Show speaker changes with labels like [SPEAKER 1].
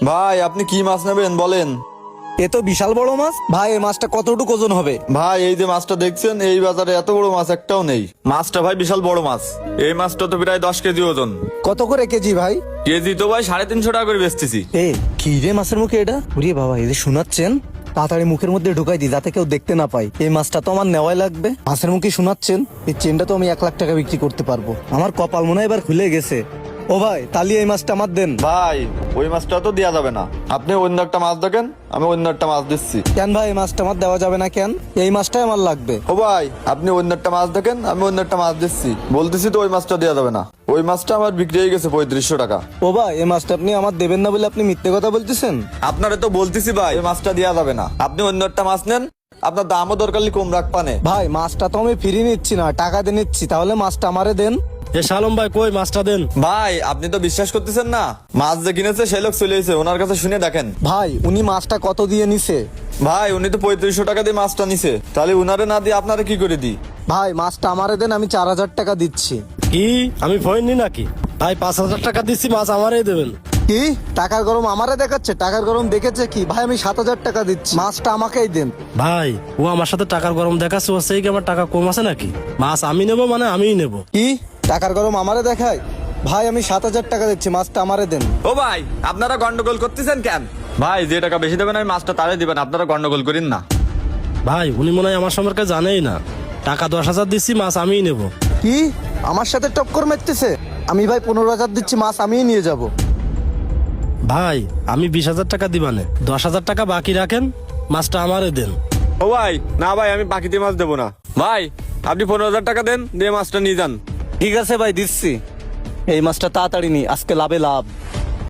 [SPEAKER 1] ভাই আপনি কি মাছ নেবেন বলেন।
[SPEAKER 2] এ তো বিশাল বড় মাছ ভাই, এই মাছটা কতটুকু ওজন হবে?
[SPEAKER 1] ভাই এই যে মাছটা দেখছেন, এই বাজারে এত বড় মাছ একটাও নেই। মাছটা ভাই বিশাল বড় মাছ। এই মাছটা তো প্রায় 10 কেজি ওজন।
[SPEAKER 2] কত করে কেজি ভাই?
[SPEAKER 1] কেজি তো ভাই 350 টাকা করে বেচতেছি।
[SPEAKER 2] এ কি রে মাছের মুখে এটা? উরে বাবা, এই যে শোনাচ্ছেন, তাড়াতাড়ি মুখের মধ্যে ঢুকাই দি যাতে কেউ দেখতে না পায়। এই মাছটা তো আমার নেওয়াই লাগবে। মাছের মুখে শোনাচ্ছেন, এই চেনটা তো আমি 1 লাখ টাকা বিক্রি করতে পারবো। আমার কপাল মনে হয় এবার খুলে গেছে। ও ভাই, তাহলে এই মাছটা আমার দেন।
[SPEAKER 1] ভাই ওই মাছটা তো দেওয়া যাবে না, আপনি অন্য একটা মাছ দেখেন, আমি অন্য একটা মাছ দিচ্ছি।
[SPEAKER 2] কেন ভাই, এই মাছটা আমার দেওয়া যাবে না কেন? এই মাছটাই আমার লাগবে।
[SPEAKER 1] ও ভাই আপনি অন্য একটা মাছ দেখেন, আমি অন্য একটা মাছ দিচ্ছি, বলতেছি তো ওই মাছটা দেওয়া যাবে না। ওই মাছটা আমার বিক্রি হয়ে গেছে 3500 টাকা।
[SPEAKER 2] ও ভাই, এই মাছটা আপনি আমার দেবেন না বলে আপনি মিথ্যে কথা বলতেছেন।
[SPEAKER 1] আপনারে তো বলতেছি ভাই ওই মাছটা দেওয়া যাবে না, আপনি অন্য একটা মাছ নেন, আপনার দামও দরকার হলে কম রাখ পানে।
[SPEAKER 2] ভাই মাছটা তো আমি ফ্রি নিচ্ছি না, টাকা দিয়ে নিচ্ছি, তাহলে মাছটা আমারে দেন।
[SPEAKER 3] এ শালম ভাই, কই মাছটা দেন।
[SPEAKER 1] ভাই আপনি তো বিশ্বাস করতেছেন না, মাছ যে কিনেছে সেই লোক চলে এসেছে, ওনার কাছে শুনে দেখেন।
[SPEAKER 2] ভাই উনি মাছটা কত দিয়ে নিছে?
[SPEAKER 1] ভাই উনি তো 3500 টাকা দিয়ে মাছটা নিছে, তাহলে উনারে না দিয়ে আপনারা কি করে দিই?
[SPEAKER 2] ভাই মাছটা আমারে দেন, আমি 4000 টাকা দিচ্ছি।
[SPEAKER 3] কি আমি ফোন নি নাকি? ভাই 5000 টাকা দিচ্ছি, মাছ আমারই দেবেন।
[SPEAKER 2] কি টাকার গরম আমারে দেখাচ্ছে? টাকার গরম দেখেছে কি? ভাই আমি 7000 টাকা দিচ্ছি, মাছটা আমাকেই দেন।
[SPEAKER 3] ভাই ও আমার সাথে টাকার গরম দেখাচ্ছে, ও সেই কি আমার টাকা কম আছে নাকি? মাছ আমি নেবো মানে আমিই নেবো।
[SPEAKER 2] কি টাকার গরম আমারে দেখায়? ভাই আমি 7000 টাকা দিচ্ছি, মাছটা আমারে দেন।
[SPEAKER 1] ও ভাই আপনারা গন্ডগোল করতেছেন কেন? ভাই যে টাকা বেশি দেবেন আমি মাছটা তারে দিবেন, আপনারা গন্ডগোল করেন না।
[SPEAKER 3] ভাই উনি মনে হয় আমার সম্পর্কে জানেই না। টাকা 10,000 দিচ্ছি, মাছ আমিই নেবো।
[SPEAKER 2] কি আমার সাথে টক্কর মারতেছে? আমি ভাই 15000 দিচ্ছি, মাছ আমিই নিয়ে যাব।
[SPEAKER 3] ভাই আমি 20,000 টাকা দিবানে, 10,000 টাকা বাকি রাখেন, মাছটা আমারে দেন।
[SPEAKER 1] ও ভাই না ভাই, আমি বাকিতে মাছ দেবো না। ভাই আপনি 15,000 টাকা দেন, দিয়ে মাছটা নিয়ে যান।
[SPEAKER 2] ঠিক আছে ভাই, দিচ্ছি। এই মাছটা তাড়াতাড়ি নি, আজকে লাভে লাভ।